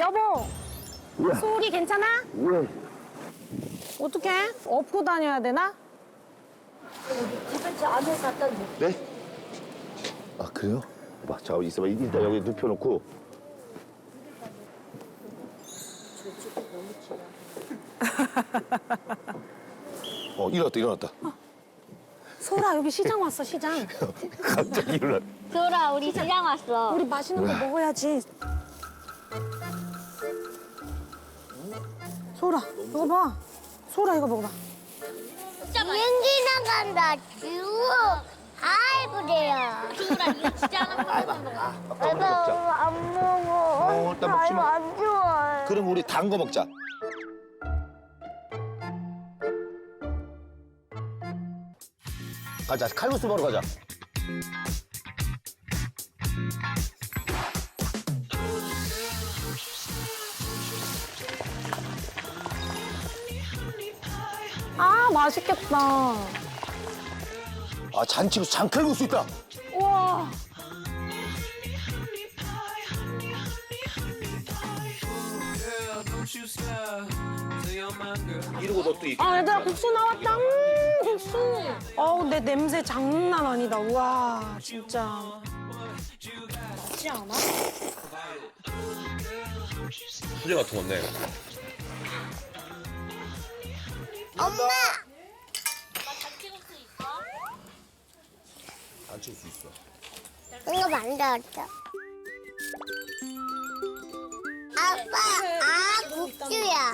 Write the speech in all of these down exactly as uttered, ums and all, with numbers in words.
여보, 소리 괜찮아? 어떡해? 업고 다녀야 되나? 집에 안에 갖다 줘. 네? 아 그래요? 봐, 자 있어봐. 일단 여기 눕혀놓고. 어 일어났다 일어났다. 소라, 여기 시장 왔어, 시장. 갑자기 일어났. 소라, 우리 시장 왔어. 우리 맛있는 거 먹어야지. 소라, 이거 봐. 소라, 이거 먹어봐. 비행기 나간다. 쭉. 아이, 그래요. 소라, 이거 진짜 하나 먹는 거야. 먹자. 안 먹어. 어, 일단 먹지 마. 안 좋아해. 그럼 우리 단 거 먹자. 가자. 칼국수 먹으러 가자. 아, 맛있겠다. 아 잔치국수 장칼국수 있다. 우와. 이러고 너또 이. 아, 얘들아, 국수 나왔다. 음, 국수. 어우, 내 냄새 장난 아니다. 우와, 진짜. 맛있지 않아? 수제 같은 건데. 엄마! 잔치국수 있어. 이거 만들었어. 아빠, 아, 국수야.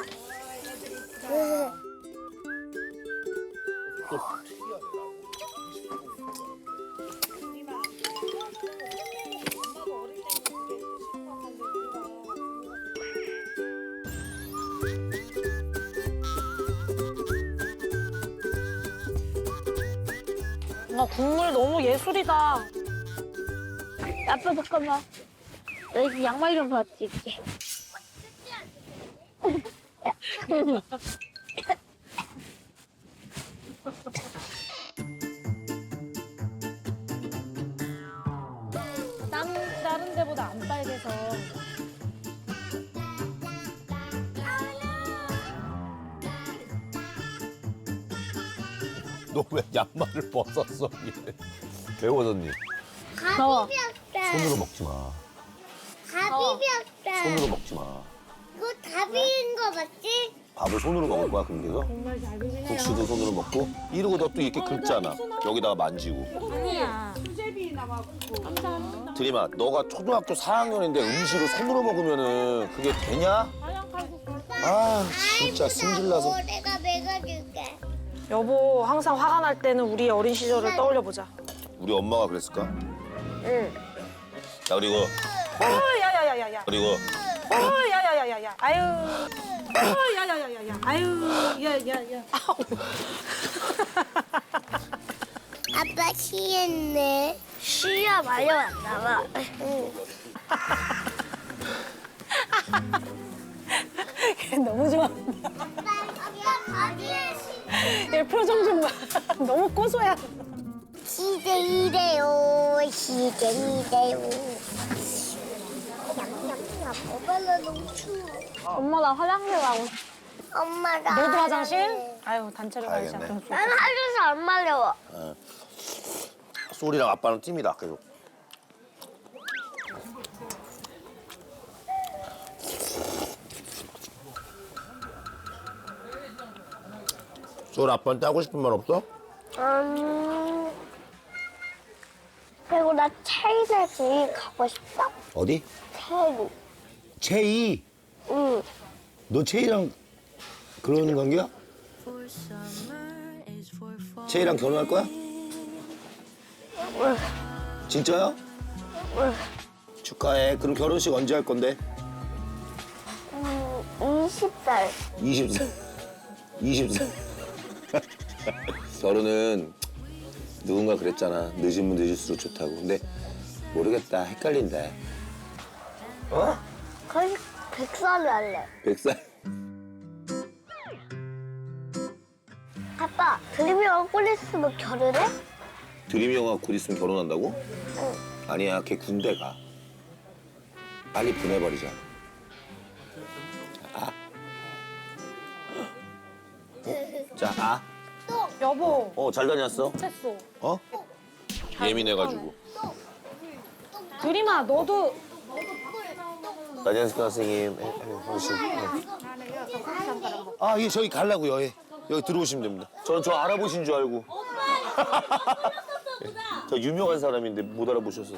나 국물 너무 예술이다. 아빠, 잠깐만. 너 양말 좀 벗을게. 땀 다른 데보다 안 빨개서. 너 왜 양말을 벗었어? 왜 벗었니? 가비병다. 손으로 먹지 마. 가비병다. 손으로 먹지 마. 그거 가비인 거 맞지? 밥을 손으로 먹을 거야 그럼 계속? 국수도 손으로 먹고 이러고 너 또 이렇게 긁잖아. 여기다가 만지고. 아니야. 드림아, 너가 초등학교 사 학년인데 음식을 손으로 먹으면은 그게 되냐? 아 진짜 승질나서. 내가 먹어줄게. 여보, 항상 화가 날 때는 우리 어린 시절을 떠올려 보자. 우리 엄마가 그랬을까? 응. 자 그리고 어, 야야야야야. 그리고 어, 야야야야야. 아유. 어, 야야야야야. 아유, 야야야. 아빠 쉬했네. 쉬야 말려왔나 봐. 응. 너무 좋아. 아빠 가비에 얘 표정 좀 봐. 너무 고소해. 시대 이래요. 시대 이래요. 엄마나 너무 추워. 엄마 나 화장실 가고 싶어. 엄마가. 너도 화장실? 아유, 단체로 가야지. 가야겠네. 좀 난 화장실 안 말려워. 소리랑 아빠는 팀이다 계속. 소리 아빠한테 하고 싶은 말 없어? 음. 그리고 나 체이에 제일 가고 싶다. 어디? 체이. 채이. 응. 너 채이랑 그러는 관계야? 채이랑 결혼할 거야? 진짜야? 축하해. 그럼 결혼식 언제 할 건데? 음, 이십 살. 이십 살. 이십 살. 결혼은 누군가 그랬잖아. 늦으면 늦을수록 좋다고. 근데 모르겠다. 헷갈린다. 어? 거의 백 살을 할래. 백 살? 아빠, 드림이 얼굴 있으면 결혼해? 드림이 형아 곧 있으면 결혼한다고? 응. 아니야. 걔 군대 가. 빨리 보내버리자. 자, 아. 여보. 어, 잘 다녔어? 됐어. 어? 예민해가지고. 드림아, 너도 안녕하세요, 선생님. 예, 예, 혹시. 예. 아, 예, 저기 가려고요. 예. 여기 들어오시면 됩니다. 저는 저 알아보신 줄 알고. 예. 저 유명한 사람인데 못 알아보셔서.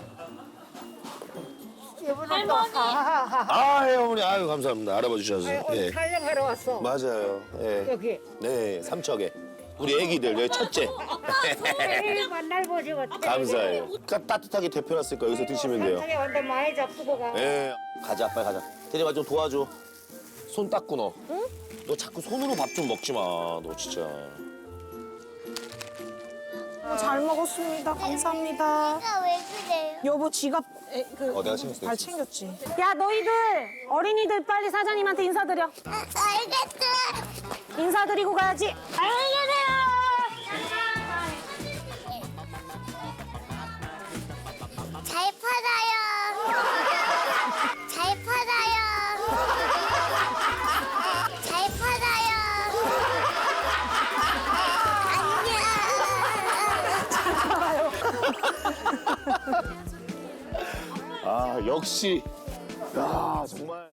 할머니. 아, 예, 어머니. 아유, 감사합니다. 알아봐 주셔서. 예. 촬영하러 왔어. 맞아요. 예. 여기. 네, 삼척에. 우리 애기들, 여기 첫째. 에이, 만날 보지 못해. 감사해요. 그러니까 따뜻하게 데펴놨으니까 여기서 드시면 돼요. 산책에 완전 많이 잡수고 가. 예. 가자, 빨리 가자. 대리마 좀 도와줘. 손 닦고 너. 응? 너 자꾸 손으로 밥 좀 먹지 마. 너 진짜. 어, 잘 먹었습니다. 감사합니다. 내가 왜 그래요? 여보 지갑 에, 그, 어, 내가 챙겼어, 잘 내가 챙겼지. 야 너희들 어린이들 빨리 사장님한테 인사드려. 아, 알겠어. 인사드리고 가야지. 안녕히 계세요. 잘 팔아요. 잘 팔아요. 잘 팔아요. 안녕. 아, 역시. 야, 정말.